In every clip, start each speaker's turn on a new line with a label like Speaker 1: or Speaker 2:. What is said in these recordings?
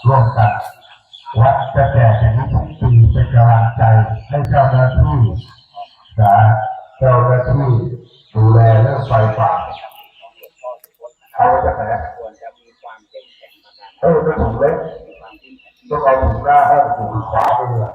Speaker 1: ร่วมกันวัดจะแจกอย่างนี้ทุกปีเป็นกำลังใจให้เจ้าหน้าที่นะเจ้าหน้าที่ดูแลเรื่องไฟป่าเอาจากไหนเป็นถุงเล็กต้องเอาถุงหน้าให้ถุงขวาไปเลย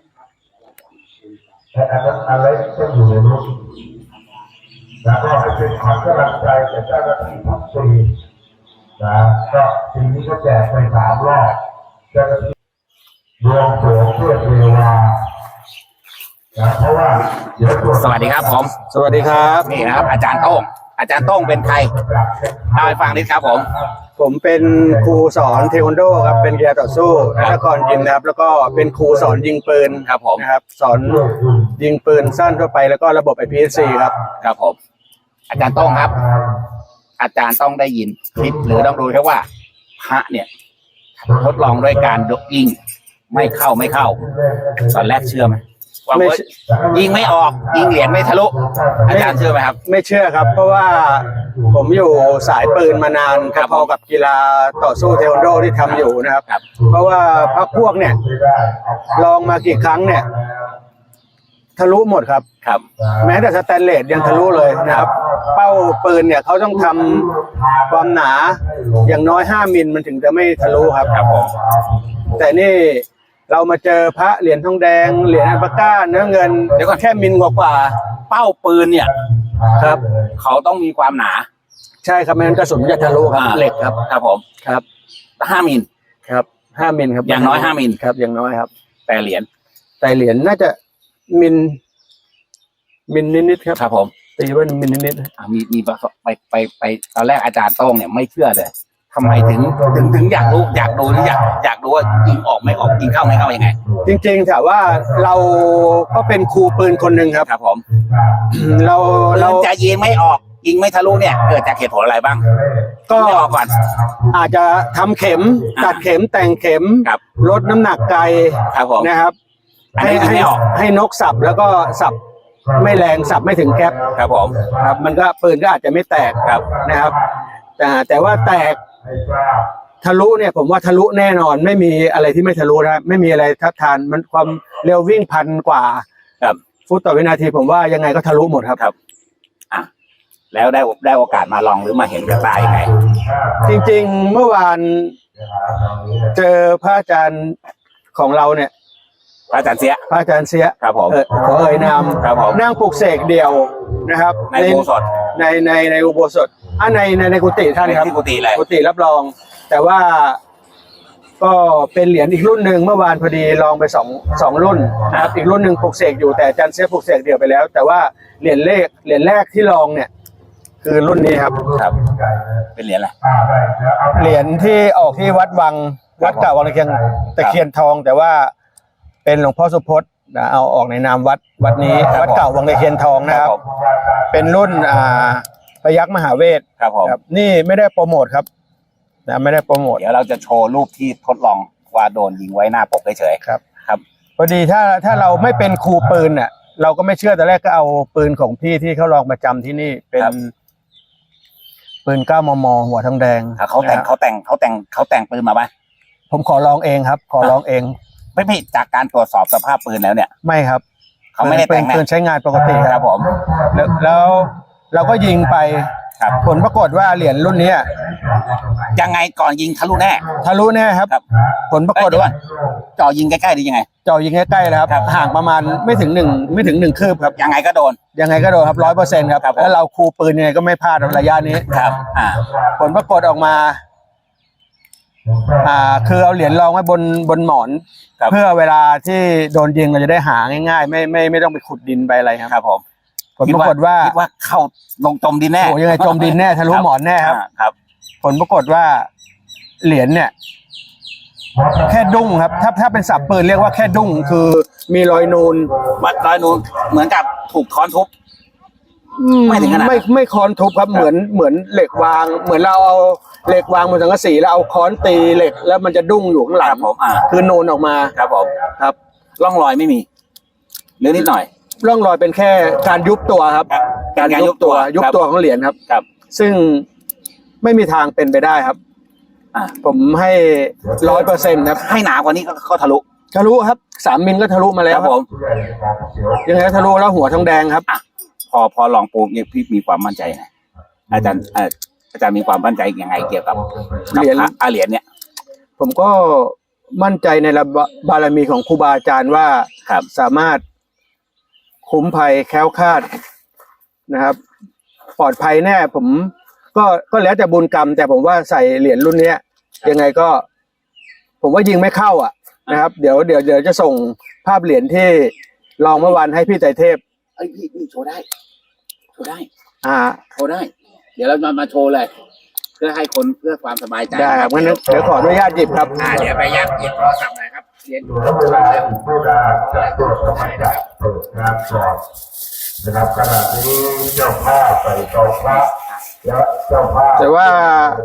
Speaker 1: แต่อันนั้นอันเล็กต้องอยู่ในรถแล้วก็ให้เป็นขวัญกำลังใจแก่เจ้าหน้าที่ทุกปีนะก็ปีนี้ก็แจกไป3 รอบเจ้าหน้าที่รวมตัวเพื่อเทวาเพราะว่า
Speaker 2: สวัสดีครับผม
Speaker 3: สวัสดีครับ
Speaker 2: นี่นะครับอาจารย์โต้งเป็นใครเล่าให้ฟังนิดครับ
Speaker 3: ผมเป็นครูสอนเทควันโดครับเป็นกีฬาต่อสู้นักกรยิมนะครับแล้วก็เป็นครูสอนยิงปืน
Speaker 2: ครับผม
Speaker 3: นะครับสอนยิงปืนสั้นทั่วไปแล้วก็ระบบ IPSC
Speaker 2: ครับผมอาจารย์โต้งครับอาจารย์ต้องได้ยินคลิปหรือต้องดูแค่ว่าพระเนี่ยทดลองด้วยการยิงไม่เข้าตอนแรกเชื่อไหมว่ายิงไม่ออกยิงเหรียญไม่ทะลุอาจารย์เชื่อไหมครับ
Speaker 3: ไม่เชื่อครับเพราะว่าผมอยู่สายปืนมานานพอกับกีฬาต่อสู้เทควันโดที่ทำอยู่นะครับเพราะว่าพรรคพวกเนี่ยลองมากี่ครั้งเนี่ยทะลุหมดครับแม้แต่สแตนเลสยังทะลุเลยนะครับเป้าปืนเนี่ยเขาต้องทำความหนาอย่างน้อย5 มิลมันถึงจะไม่ทะลุครับแต่นี่เรามาเจอพระเหรียญทองแดงเหรียญอัลปาก้าเนื้อเงินเดี๋ยวก็แค่มิลกว่า
Speaker 2: เป้าปืนเนี่ย
Speaker 3: ครับ
Speaker 2: เขาต้องมีความหนา
Speaker 3: ใช่ครับไม่งั้นกระสุนจะทะลุครับเหล็กครับ
Speaker 2: ผม
Speaker 3: ครับ
Speaker 2: 5 มิล
Speaker 3: ครับ5 มิลครับ
Speaker 2: อย่างน้อย5 มิล
Speaker 3: ครับอย่างน้อยครับ
Speaker 2: แต่เหรียญ
Speaker 3: น่าจะมิลนิดๆ
Speaker 2: ครับผม
Speaker 3: ตีว่ามิลนิด
Speaker 2: มีไปตอนแรกอาจารย์โต้งเนี่ยไม่เชื่อเลยทำไมถึงอยากรู้อยากดูว่ายิงออกไม่ออกยิงเข้าไม่เข้ายังไง
Speaker 3: จริงๆถามว่าเราก็เป็นครูปืนคนหนึ่งครับ
Speaker 2: ผมเราจะยิงไม่ออกยิงไม่ทะลุเนี่ยเกิดจากเหตุผลอะไรบ้าง
Speaker 3: ก็ก่อนอาจจะทำเข็มตัดเข็มแต่งเข็มลดน้ำหนักไกลนะครับให้นกสับแล้วก็สับไม่แรงสับไม่ถึงแก๊ป
Speaker 2: ครับผม
Speaker 3: ครับมันก็ปืนก็อาจจะไม่แตกนะครับแต่ว่าแตกทะลุเนี่ยผมว่าทะลุแน่นอนไม่มีอะไรที่ไม่ทะลุนะไม่มีอะไรทัดทานมันความเร็ววิ่ง1,000 กว่าฟุตต่อวินาทีผมว่ายังไงก็ทะลุหมดครับ
Speaker 2: แล้วได้โอกาสมาลองหรือมาเห็นกับตายังไง
Speaker 3: จริงๆเมื่อวานเจอพระอาจารย์ของเราเนี่ย
Speaker 2: พระอาจารย์เสีย
Speaker 3: ครับผมขอนามนั่งปลุกเสกเดียวนะครับ
Speaker 2: ในอุโบสถ
Speaker 3: ในอุโบสถในกุฏิท่านครับ
Speaker 2: กุ
Speaker 3: ฏิรับรองแต่ว่าก็เป็นเหรียญอีกรุ่นหนึ่งเมื่อวานพอดีลองไปสองรุ่นนะครับอีกรุ่นหนึ่งปลุกเสกอยู่แต่อาจารย์เสียปลุกเสกเดียวไปแล้วแต่ว่าเหรียญแรกที่ลองเนี่ยคือรุ่นนี้ครับ
Speaker 2: เป็นเหรียญอะไร
Speaker 3: เหรียญที่ออกที่วัดเก่าวังตะเคียนทองแต่ว่าเป็นหลวงพ่อสุพจน์เอาออกในนามวัดนี้วัดเก่าวังตะเคียนทองนะครับเป็นรุ่นพยัคฆ์มหาเวท
Speaker 2: ครับ
Speaker 3: นี่ไม่ได้โปรโมทครับไม่ได้โปรโมท
Speaker 2: เดี๋ยวเราจะโชว์รูปที่ทดลองว่าโดนยิงไว้หน้าปกเฉย
Speaker 3: ๆครับพอดีถ้าเราไม่เป็นครูปืนเนี่ยเราก็ไม่เชื่อแต่แรกก็เอาปืนของพี่ที่เขาลองประจำที่นี่เป็นปืน9 มม.หัวทองแดง
Speaker 2: เขาแต่งปืนมาไหม
Speaker 3: ผมขอลองเองครับขอลองเอง
Speaker 2: ไม่ผิดจากการตรวจสอบสภาพปืนแล้วเนี่ย
Speaker 3: ไม่ครับ
Speaker 2: เขาไม่ได้แต่ง
Speaker 3: ปืนใช้งานปกติ
Speaker 2: ครับผม
Speaker 3: แล้วเราก็ยิงไปผลปรากฏว่าเหรียญรุ่นนี้
Speaker 2: ยังไงก่อนยิงทะลุแน่
Speaker 3: ครับผลปรากฏว่า
Speaker 2: จ่อยิงใกล้ๆหรือยังไง
Speaker 3: จ่อยิงใกล้ๆเลยครับห่างประมาณไม่ถึง1คืบครับ
Speaker 2: ยังไงก็โดน
Speaker 3: ครับ 100% ครับแล้วเราครูปืนยังไงก็ไม่พลาดระยะนี้
Speaker 2: ครับ
Speaker 3: ผลปรากฏออกมาคือเอาเหรียญรองไว้บนหมอนเพื่อเวลาที่โดนยิงเราจะได้หาง่ายๆไม่ต้องไปขุดดินไปอะไรครับ
Speaker 2: ผม
Speaker 3: ผลปรากฏว่า
Speaker 2: เข้าลงจมดินแน่
Speaker 3: ยังไงจมดินแน่ทะลุหมอนแน่ครับผลปรากฏว่าเหรียญเนี่ยแค่ดุ้งครับถ้าเป็นศัพท์ปืนเรียกว่าแค่ดุ้งคือมีรอยนูน
Speaker 2: เหมือนกับถูกค้อนทุบไม่ถึงขนาด
Speaker 3: ไม่ค้อนทุบครับเหมือนเหล็กวางเหมือนเราเอาเหล็กวางบนสังกะสีแล้วเอาค้อนตีเหล็กแล้วมันจะดุ้งอยู่ข้างหลังคือนูนออกมา
Speaker 2: ครับผม
Speaker 3: ครับ
Speaker 2: ร่องรอยไม่มีหรือนิดหน่อย
Speaker 3: ร่องรอยเป็นแค่การยุบตัวครับการยุบตัวของเหรียญครับซึ่งไม่มีทางเป็นไปได้ครับผมให้100%ครับ
Speaker 2: ให้หนากว่านี้ก็ทะลุ
Speaker 3: ทะลุครับ3 มิลก็ทะลุมาแล้ว
Speaker 2: ครับผม
Speaker 3: ยังไงก็ทะลุแล้วหัวทองแดงครับ
Speaker 2: พอลองปลูกเนี่ยพี่มีความมั่นใจไงอาจารย์มีความมั่นใจยังไงเกี่ยวกับ
Speaker 3: เหรียญ
Speaker 2: เหรียญเนี่ย
Speaker 3: ผมก็มั่นใจในบารมีของครูบาอาจารย์ว่า
Speaker 2: ครับ
Speaker 3: สามารถคุ้มภัยแคล้วคลาดนะครับ ปลอดภัยแน่ผมก็แล้วแต่บุญกรรม แต่ผมว่าใส่เหรียญรุ่นเนี้ย ยังไงก็ ผมว่ายิงไม่เข้าอ่ะนะครับ เดี๋ยวจะส่งภาพเหรียญที่ลองเมื่อวานให้พี่ไตรเทพ
Speaker 2: เอ้ยพี่โชว์ได้โชว์ได้
Speaker 3: โชว์ได้
Speaker 2: เดี๋ยวเรามาโชว์เลย เพื่อให้คนเพื่อความสบายใจ
Speaker 3: ได้ครับงั้นเดี๋ยวขออนุญาตหยิบครับ
Speaker 2: เดี๋ยวไปยักหยิบโทรศัพท์หน่อยครับเหรียญ
Speaker 1: แล้วเวลาอีกผู้ใดจะตรวจสมัยดับเปิดงานก่อนนะครับขณะนี้เจ้าภาพใส่ตองพระและเจ้าภาพ
Speaker 3: แต่ว่า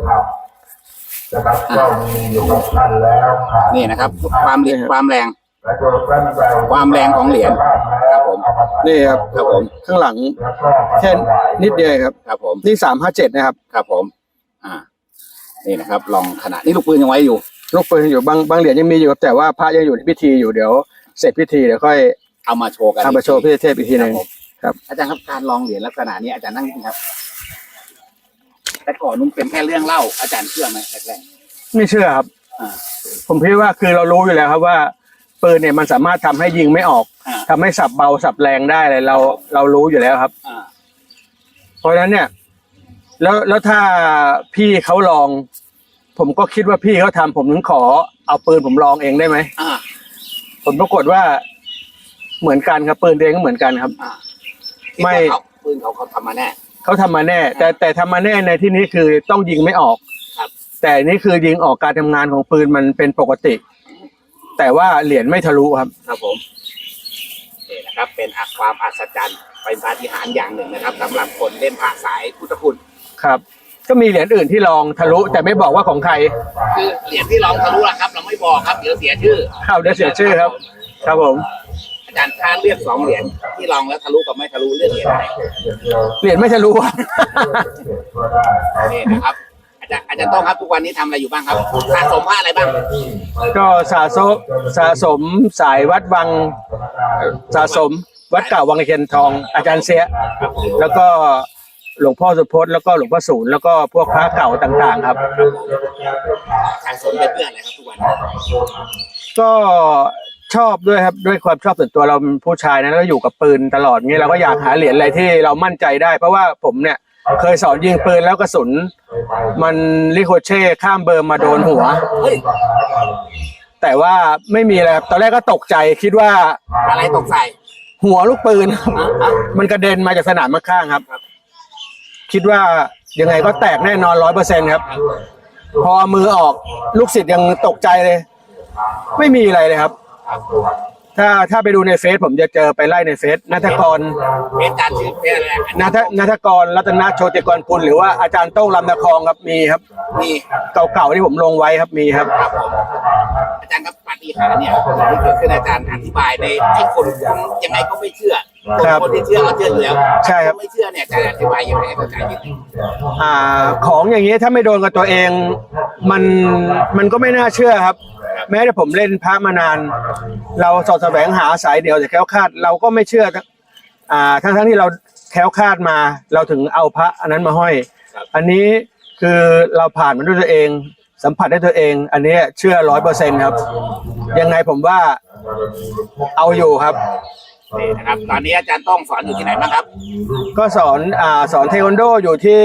Speaker 1: นะครับก็มีอยู่กับท่านแล้วค่ะ
Speaker 2: นี่นะครับ ความแรง
Speaker 1: และโดยท่านใด
Speaker 2: ความแรงของเหรียญครับผม
Speaker 3: นี่ครับ
Speaker 2: ครับผม
Speaker 3: ข้างหลัง
Speaker 1: แล้วก็
Speaker 3: แค่นิดเดียวครับ
Speaker 2: ครับผม
Speaker 3: นี่357นะครับ
Speaker 2: ครับผม นี่นะครับ ลองขนาดนี่ลูกปืนยังไว้อยู่
Speaker 3: ลูกปืนอยู่บางเหรียญยังมีอยู่ครับแต่ว่าพระยังอยู่ในพิธีอยู่เดี๋ยวเสร็จพิธีเดี๋ยวค่อย
Speaker 2: เอามาโชว์กัน
Speaker 3: เอามาโชว์พี่เทพอีกทีหนึ่ง
Speaker 2: ผม
Speaker 3: ครับ
Speaker 2: อาจารย์ครับการลองเหรียญลักษณะนี้อาจารย์นั่งนี่ครับ แต่ก่อนนุ่มเป็นแค่เรื่องเล่าอาจารย์เชื่อไหมแรก
Speaker 3: ไม่เชื่อครับ
Speaker 2: อ่า
Speaker 3: ผมคิดว่าคือเรารู้อยู่แล้วครับว่าปืนเนี่ยมันสามารถทำให้ยิงไม่ออก
Speaker 2: อ่า
Speaker 3: ทำให้สับเบาสับแรงได้เลยเรารู้อยู่แล้วครับ
Speaker 2: อ่า
Speaker 3: เพราะฉะนั้นเนี่ย แล้วถ้าพี่เขาลอง ผมก็คิดว่าพี่เขาทำผมถึงขอเอาปืนผมลองเองได้ไหม
Speaker 2: อ่า
Speaker 3: ผลปรากฏว่าเหมือนกันครับปืนตัวเองก็เหมือนกันครับ
Speaker 2: อ่า
Speaker 3: ไม่
Speaker 2: คิดว่าปืนเขาทำมาแน่
Speaker 3: เขาทำมาแน่ แต่ทำมาแน่ในที่นี้คือต้องยิงไม่ออก
Speaker 2: ครับ
Speaker 3: แต่นี่คือยิงออกการทำงานของปืนมันเป็นปกติ แต่ว่าเหรียญไม่ทะลุครับ
Speaker 2: ครับผมนี่นะครับ เป็นความอัศจรรย์เป็นปาฏิหาริย์อย่างหนึ่งนะครับสำหรับคนเล่นพระสายพุทธคุณ
Speaker 3: ครับ ก็มีเหรียญอื่นที่ลองทะลุ แต่ไม่บอกว่าของใคร
Speaker 2: คือเหรียญที่ลองทะลุนะครับ เราไม่บอกครับเดี๋ยวเสียชื่อ
Speaker 3: เดี๋ยวเสียชื่อครับ ครับผม
Speaker 2: อาจารย์ถ้าเลือก2 เหรียญที่ลองแล้วทะลุกับไม่ทะลุเลือกเหรียญไหน
Speaker 3: เหรียญไม่ทะลุครับ
Speaker 2: นี่นะครับ อาจารย์ต้องครับทุกวันนี้ทำอะไรอยู่บ้างครับสะสมผ้าอะไรบ้าง
Speaker 3: ก็สะสมสายวัดวังสะสมวัดเก่าวังตะเคียนทอง อาจารย์เสีย แล้วก็หลวงพ่อสุพจน์แล้วก็หลวงพ่อศูนย์แล้วก็พวกพระเก่าต่างๆ ครับ
Speaker 2: สะสมเป็นเพื่อนอะไรครับทุกวัน
Speaker 3: ก็ชอบด้วยครับด้วยความชอบส่วนตัวเราเป็นผู้ชายนะแล้วก็อยู่กับปืนตลอดงี้เราก็อยากหาเหรียญอะไรที่เรามั่นใจได้ เพราะว่าผมเนี่ยเคยสอนยิงปืนแล้วกระสุนมันริโคเช่ข้ามเบอร์มาโดนหัว
Speaker 2: เฮ้ย
Speaker 3: แต่ว่าไม่มีอะไรครับตอนแรกก็ตกใจคิดว่า
Speaker 2: อะไรตกใส่
Speaker 3: หัวลูกปืน มันกระเด็นมาจากสนามข้างๆครับ คิดว่ายังไงก็แตกแน่นอน100%ครับ พอมือออกลูกศิษย์ยังตกใจเลย ไม่มีอะไรเลยครับ ถ้าไปดูในเฟซผมจะเจอไปไล่ในเฟซนัทกร
Speaker 2: เป็นการชื่อเป็นอะไร
Speaker 3: นัทกรรัตนโชติกรกุลหรือว่าอาจารย์โต้งลำนครครับมีครับ
Speaker 2: นี่
Speaker 3: เก่าๆที่ผมลงไว้ครับมีครับ
Speaker 2: ครับผมอาจารย์ครับปาฏิหาริย์เนี่ยที่เกิดขึ้นอาจารย์อธิบายในให้คนยังไงก็ไม่เชื่อ
Speaker 3: ครับ
Speaker 2: คนที่เชื่อก็เชื่ออยู่แล้ว
Speaker 3: ใช่ครับ
Speaker 2: นไม่เชื่อเนี่ยอาจารย์อธิบายยังไงให้เข้าใจนิดนึง
Speaker 3: ของอย่างนี้ถ้าไม่โดนกับตัวเองมันก็ไม่น่าเชื่อครับ แม้แต่ผมเล่นพระมานาน เราสอดแสวงหาสายเดียวแต่แคล้วคลาดเราก็ไม่เชื่อทั้งที่เราแคล้วคลาดมาเราถึงเอาพระอันนั้นมาห้อย อันนี้คือเราผ่านมันด้วยตัวเอง สัมผัสได้ตัวเอง อันนี้เชื่อ100%ครับ ยังไงผมว่าเอาอยู่ครับ
Speaker 2: นี่นะครับตอนนี้อาจารย์ต้องสอนอยู่ที่ไหนบ้างครับ
Speaker 3: ก็สอนเทควันโดอยู่ที่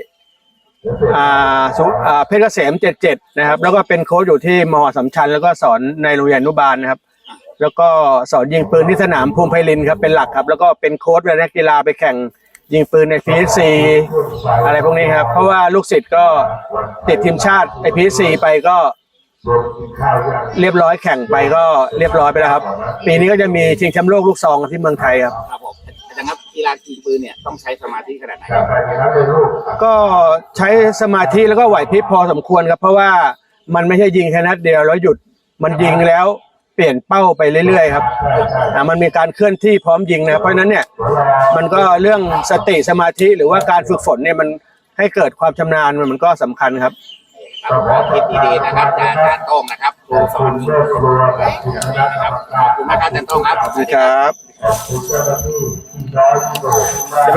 Speaker 3: เพชรเกษม77นะครับแล้วก็เป็นโค้ชอยู่ที่ม.สำชัญแล้วก็สอนในโรงเรียนอนุบาลนะครับ แล้วก็สอนยิงปืนที่สนามภูมิไพรินทร์ครับเป็นหลักครับแล้วก็เป็นโค้ชเวลานักกีฬาไปแข่งยิงปืนใน PSC อะไรพวกนี้ครับเพราะว่าลูกศิษย์ก็ติดทีมชาติใน PSC ไปก็เรียบร้อยแข่งไปก็เรียบร้อยไปแล้วครับปีนี้ก็จะมีชิงแชมป์โลกลูกซองที่เมืองไทยครับ
Speaker 2: ครับผมอาจารย์ครับกีฬายิงปืนเนี่ยต้องใช้สมาธิขนาดไหน
Speaker 3: ก็ใช้สมาธิแล้วก็ไหวพริบพอสมควรครับเพราะว่ามันไม่ใช่ยิงแค่นัดเดียวแล้วหยุดมันยิงแล้วเปลี่ยนเป้าไปเรื่อยๆครับมันมีการเคลื่อนที่พร้อมยิงนะเพราะฉะนั้นเนี่ยมันก็เรื่องสติสมาธิหรือว่าการฝึกฝนเนี่ยมันให้เกิดความชำนาญมันก็สำคัญครับ
Speaker 2: ครับขอคิดดีๆนะครับอาจารย์โต้งนะครับครูสอน
Speaker 1: เลิกกลัวกับคุณคณะกรรมการ
Speaker 2: ขอบคุณมากครับอาจารย์โต้งครับ
Speaker 3: สวัสดีครับ
Speaker 1: ขอบคุณเจ้าหน้าที่ที่น้อยที่โดด